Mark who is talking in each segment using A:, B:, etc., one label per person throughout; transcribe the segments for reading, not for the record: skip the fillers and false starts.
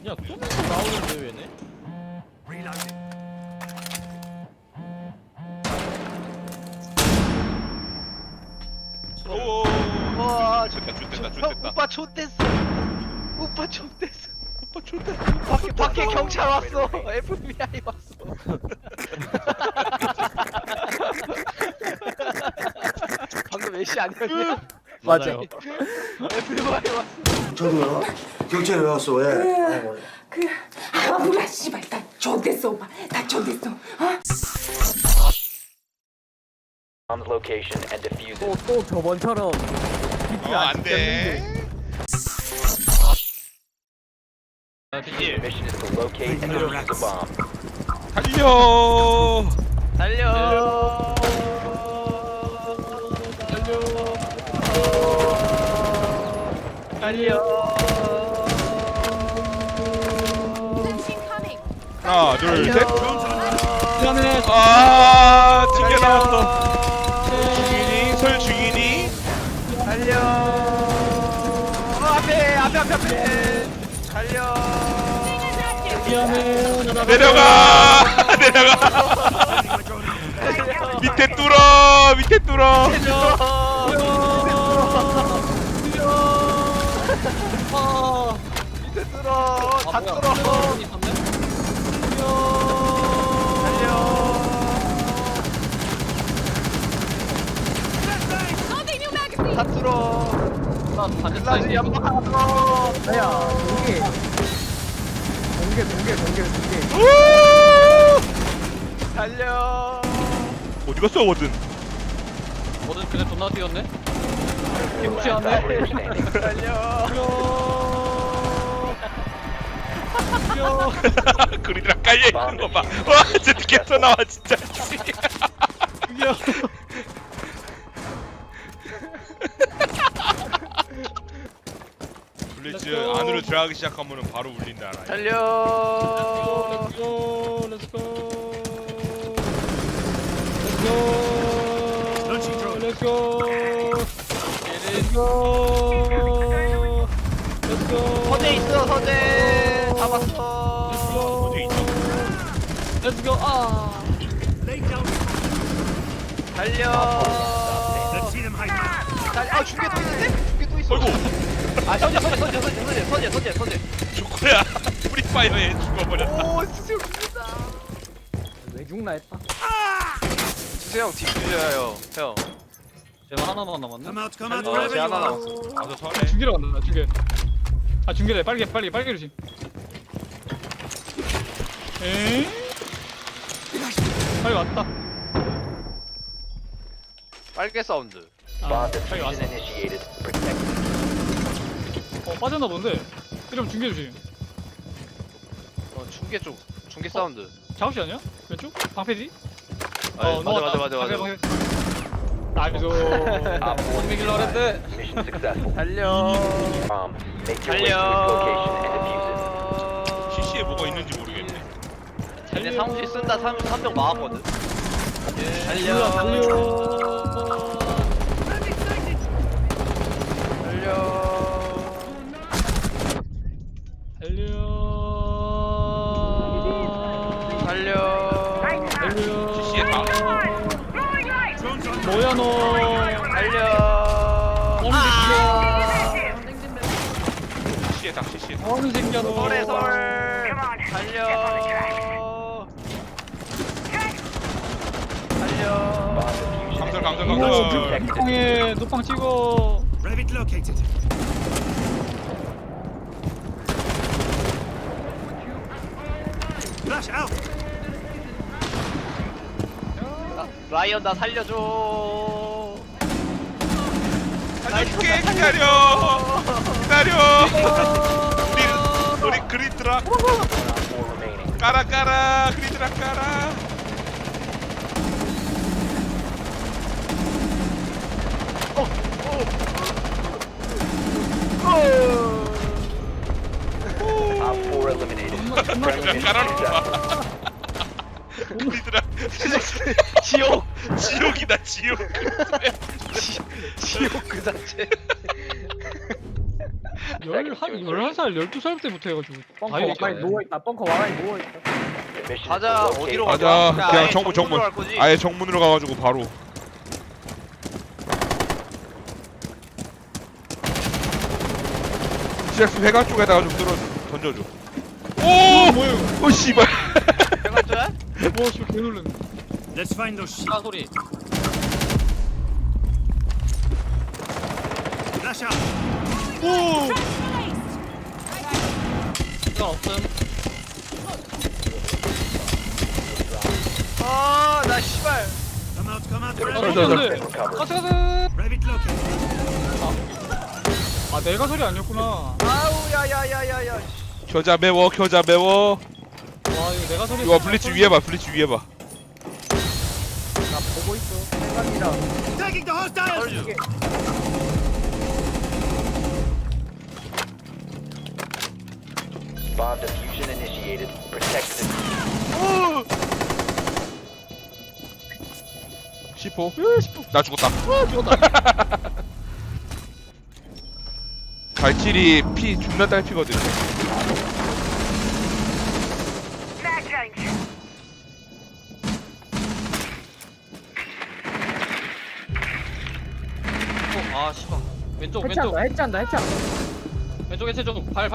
A: 그냥 쏘면서 나오는데 왜네?
B: 오.
C: 와,
B: 좋됐다.
C: 오빠 좆됐어. 오빠 좆됐어.
B: 오빠 좋다.
C: 밖에 경찰 왔어. FBI 왔어. 방금 애쉬 아니었냐?
A: 맞아요.
C: FBI 왔어.
D: 저도요. 경찰에 왜 왔어? 왜?
E: 뭐야 씨발 나 좆됐어 오빠 나 좆됐어
F: On the location and defuse it.
A: 또 저번처럼
B: 안 돼.
F: The mission is to locate and defuse the bomb.
B: 달려.
C: 달려. 달려.
B: 하나, 둘, 셋.
A: 미안해.
B: 아, 튕겨 나왔어. 죽이니? 설 죽이니?
C: 달려. 앞에. 달려.
A: 미안해.
B: 내려가. 밑에 뚫어.
C: 밑에 뚫어. 다 뚫어. 다 뚫어. 글라즈 연막 하나 뚫어.
A: 야, 공개.
C: 달려.
B: 어디 갔어, 워든?
A: 뭐든 그냥 존나 뛰었네.
F: Last operator standing.
C: 달려.
B: 그리드랑 깔려 있는 거 봐. 와, 진짜 계속 나와 진짜. 블리츠 안으로 들어가기 시작하면은 바로 울린다. 알아?
C: 달려.
A: Let's go.
C: 서재 있어. 서재. 잡았어.
B: 어디 있어?
A: Let's go. 아.
C: 달려. 아, 중계 또 있는데? 중계 또 있어.
B: 어이구,
C: 아, 서재.
B: 조커야. 프리파이어에 죽어버렸다.
C: 오, 수수 죽는다.
A: 왜 죽나 했다.
C: 수수 형 뒷줄여요, 형.
A: 제가 하나만 남았네.
C: 제 하나 남았어.
B: 가서 서래.
A: 중계로 간다. 중계. 아 중계래. 빨리 조심. 에? 빨리 왔다.
C: 빨개 사운드.
A: 아,
F: Bomb
A: 빨리 왔어.
F: diffusion initiated. Protect.
A: 빠졌나 본데. 이러면 중계 조심.
C: 중계 쪽. 중계 사운드.
A: 작업실 아니야? 왼쪽? 방패지?
C: 맞아.
A: 나이스.
F: Op 4
A: 이길라 그랬대.
F: Mission successful.
C: 달려.
F: Bomb. Make your way to its location and defuse it.
B: CC에 뭐가 있는지 모르겠네.
C: 쟤네 사무실 쓴다. 3명 막았거든. 달려.
A: 달려.
B: CC에 다.
A: 뭐야 너?
C: 달려.
A: 어느 새끼야?
B: CC에 다.
A: 어느 새끼야 너?
C: 설에 설. 달려.
B: 감설.
A: 이거 북방에 노빵 찍어.
D: Rabbit located. Flash out.
C: 라이언 나 살려줘.
B: 살려줄게. 기다려. 우리 그리드라.
F: Op 4 remaining.
B: 까라. 그리드라 까라.
F: Op 4 eliminated. Friendly mission successful.
B: 그리드라.
C: 지옥.
B: 지옥.
C: 지옥 그 자체.
F: seconds to insertion.
A: 11살, 12살 때부터 해가지고
G: 벙커
A: 다
G: 와가니
A: 얘기했잖아.
G: 누워있다. 벙커 와가니 누워있다.
F: The mission is
C: 가자.
F: to locate
C: 어디로
F: and
B: 가자.
C: 가자?
B: 그냥
C: 아예
B: 정문,
C: 정문으로 갈 거지?
B: 아예 정문으로 가가지고 바로. CX 회관 쪽에다가 좀 던져줘. 오!
A: 뭐야 이거?
B: 오 씨발.
C: 해봤자?
A: 와 씨발 개놀랐네.
D: Let's find those sheep.
C: 차 소리.
D: Flash out.
C: 시간 없음. 아, 나 씨발.
D: Come out, come out.
A: 아,
D: Rabbit,
A: 소리인데.
F: recovered.
A: 가자 가자.
D: rabbit located.
A: 아 내가 소리 아니었구나.
C: 아우, 야야야야야.
B: 겨자 매워, 겨자 매워.
A: 와 이거 내가 소리.
B: 이거 블리츠 위에 봐, 블리츠 위에 봐.
G: 나 보고 있어. 생각이라.
D: Tagging the hostiles.
F: Bomb diffusion initiated. Protect the
B: 10호. 나 죽었다. 발길이 피 존나 딸피거든.
C: 아, 씨발. 왼쪽, 왼쪽.
G: 해체한다. 해체한다. 해체한다.
C: 왼쪽 해체 좀. 팔.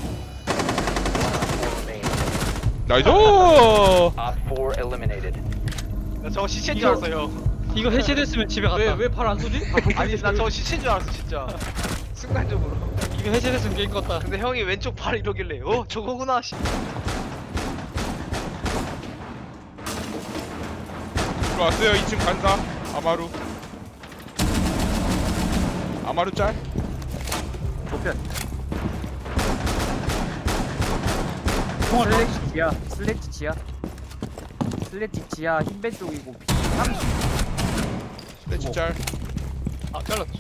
F: remaining.
B: 나이스.
F: Op 4 eliminated.
C: 나 저거 시체인 줄 알았어, 형.
A: 이거 해체됐으면 집에 갔다.
C: 왜 팔 안 쏘지? 아니, 나 저거 시체인 줄 알았어, 진짜. 순간적으로.
A: 이거 해체됐으면 게임 껐다.
C: 근데 형이 왼쪽 팔 이러길래, 저거구나, 씨.
B: 들어왔어요. 2층 간사. 아마루. 아마루 짤.
G: 도편. 슬래지 지하. 슬래지 지하. 슬래지 지하 흰배 쪽이고 비 30.
B: 스매치 짤.
A: 아 잘랐어.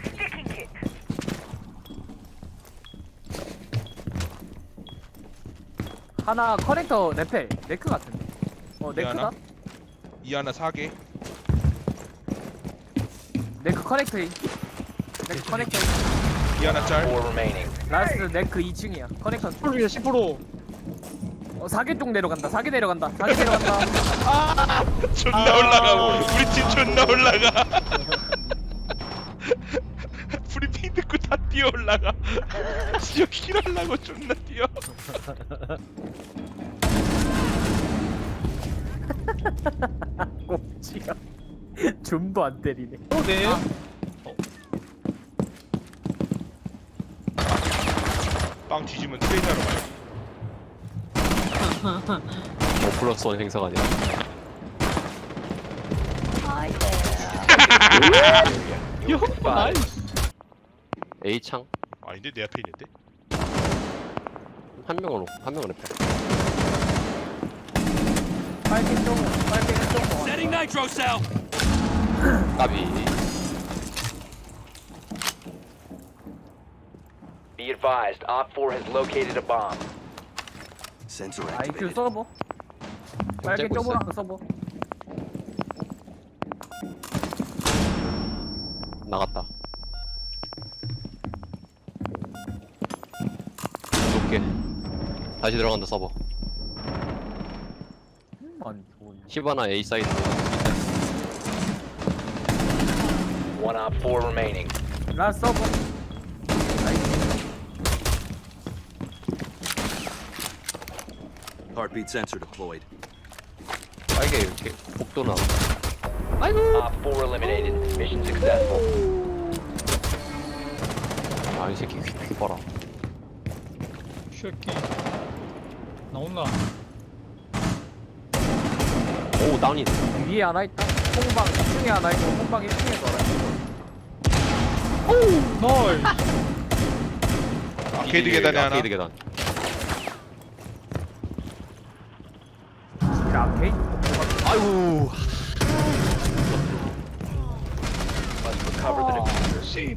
G: 하나 커넥터 레펠 네크 같은데. 네크다?
B: 하나? 이 하나 4개.
G: 네크 커넥터인. 네크 커넥터.
B: 이 하나
F: 4
B: 짤.
F: remaining.
G: 라스트 네크 2층이야. 커넥터.
A: 10%이야 10%.
G: 4개 쪽 내려간다. 4개 내려간다. 4개 내려간다.
B: 존나 올라가. 우리 팀 존나 올라가. 브리핑 듣고 다 뛰어 올라가. 진짜 킬하려고 존나 뛰어.
G: 꼼지가 좀도 안 때리네.
A: 네.
B: 빵 뒤지면 트레이너로 가요.
H: 플러스 원 행사가 아니라
A: 요 나이스.
H: A창
B: 아닌데 내 앞에 있는데.
H: 한 명은 레펠
G: 빨개 쪽. 빨개 쪽.
D: Setting nitro cell.
H: 까비
F: Be advised, Op 4 has located a bomb.
D: Sensor
G: IQ 서버. 빨개
H: 째고
G: 쪽으로 하는 서버.
H: 나갔다 높게 다시 들어간다 서버
G: 아니 좋은.
H: 히바나 A 사이드
F: One Op 4 remaining.
G: 라스트 서버.
D: Heartbeat sensor deployed.
H: 빨개 이렇게 복도나
F: Op 4 eliminated. Mission successful.
H: 아이 새끼 귀 봐라
A: 쉐끼. 나온나.
H: 오 다운이
G: 위에 하나 있다. 홍방 2층에 하나 있고 홍방 1층에도 하나 있고.
A: 나이스.
B: 아케이드 계단에 하나.
H: 아케이드 계단
G: 아케이드.
H: 아이고
F: Must recover the diffuser.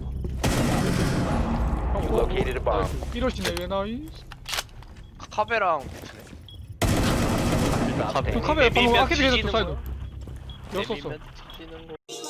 F: You located a bomb.
A: 이러시네 왜 나이스.
C: 카베랑.
F: Stop
A: 그
F: standing.
A: 카메라 방금
C: 내비면
A: 아케이드 계속
C: 뒤지는
A: 사이드.
C: 거.
A: 였었어.
C: 내비면 뒤지는 거.